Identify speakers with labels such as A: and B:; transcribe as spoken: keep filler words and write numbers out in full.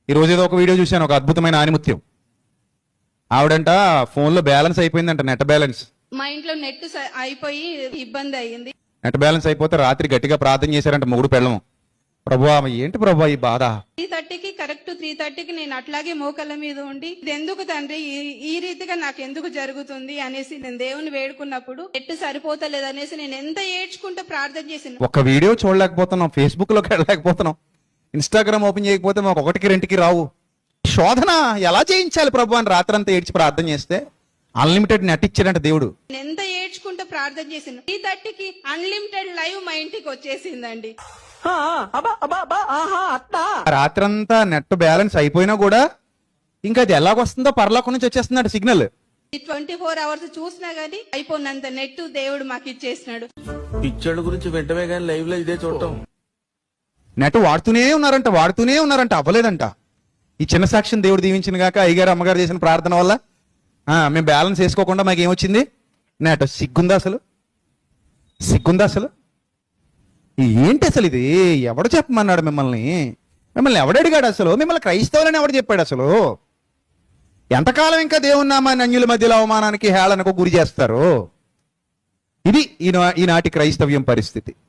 A: ఈ రోజు ఏదో ఒక వీడియో చూశాను, ఒక అద్భుతమైన ఆనిముత్యం. ఆవిడంట ఫోన్లో బ్యాలెన్స్ అయిపోయిందంట, నెట్ బ్యాలెన్స్.
B: మా ఇంట్లో నెట్ స- అయిపోయి ఇబ్బంది అయ్యింది.
A: నెట్ బ్యాలెన్స్ అయిపోతే రాత్రి గట్టిగా ప్రార్థన చేశారంట మొగుడు పెళ్ళము. ప్రభువా ఏంటి ప్రభువా ఈ బాధ?
B: త్రీ థర్టీకి కరెక్ట్ త్రీ థర్టీకి నేను అట్లాగే మోకళ్ళ మీద ఉండి ఇది ఎందుకు తండ్రి ఈ- ఈ రీతిగా నాకు ఎందుకు జరుగుతుంది అనేసి నేను దేవుని వేడుకున్నప్పుడు నెట్ సరిపోతలేదు అనేసి నేను ఎంత ఏడ్చుకుంటూ ప్రార్థన చేసిన.
A: ఒక వీడియో చూడలేకపోతున్నాం, ఫేస్బుక్ లోకి వెళ్ళలేకపోతున్నాం, ఇన్స్టాగ్రామ్ ఓపెన్ చేయకపోతే మాకు ఒకటికి రెండుకి రావు. శోధన ఎలా చేయించాలి ప్రభు అని రాత్రంతా ఏడ్చి ప్రార్థన చేస్తే అన్లిమిటెడ్ నెట్ ఇచ్చాడంట దేవుడు.
B: నేను ఎంత ఏడ్చుకుంటూ ప్రార్థన చేసిన త్రీ థర్టీకి అన్లిమిటెడ్ లైవ్ మా ఇంటికి వచ్చేసిందండి.
A: రాత్రంతా నెట్ బ్యాలెన్స్ అయిపోయినా కూడా ఇంకా అది ఎలాగొస్తుందో పరలోకం నుంచి వచ్చేస్తున్నాడు సిగ్నల్.
B: ట్వంటీ ఫోర్ అవర్స్ చూసినా గానీ అయిపోయినంత నెట్ దేవుడు మాకు ఇచ్చేసినాడు.
C: పిక్చర్ల గురించి వెంటనే కానీ లైవ్ లో ఇదే చూడటం.
A: నెట్ వాడుతూనే ఉన్నారంట వాడుతూనే ఉన్నారంట అవ్వలేదంట. ఈ చిన్న సాక్ష్యం దేవుడు దీవించిన గాక అయ్యగారు అమ్మగారు చేసిన ప్రార్థన వల్ల ఆ, మేము బ్యాలెన్స్ వేసుకోకుండా మాకు ఏమొచ్చింది? నెట్. సిగ్గుందా అసలు? సిగ్గుందా అసలు? ఏంటి అసలు ఇది? ఎవడు చెప్పమన్నాడు మిమ్మల్ని? మిమ్మల్ని ఎవడు అడిగాడు అసలు? మిమ్మల్ని క్రైస్తవులని ఎవడు చెప్పాడు అసలు? ఎంతకాలం ఇంకా దేవుని నామాన్ని అన్యుల మధ్యలో అవమానానికి హేళనకు గురి చేస్తారు? ఇది ఈనా ఈనాటి క్రైస్తవ్యం పరిస్థితి.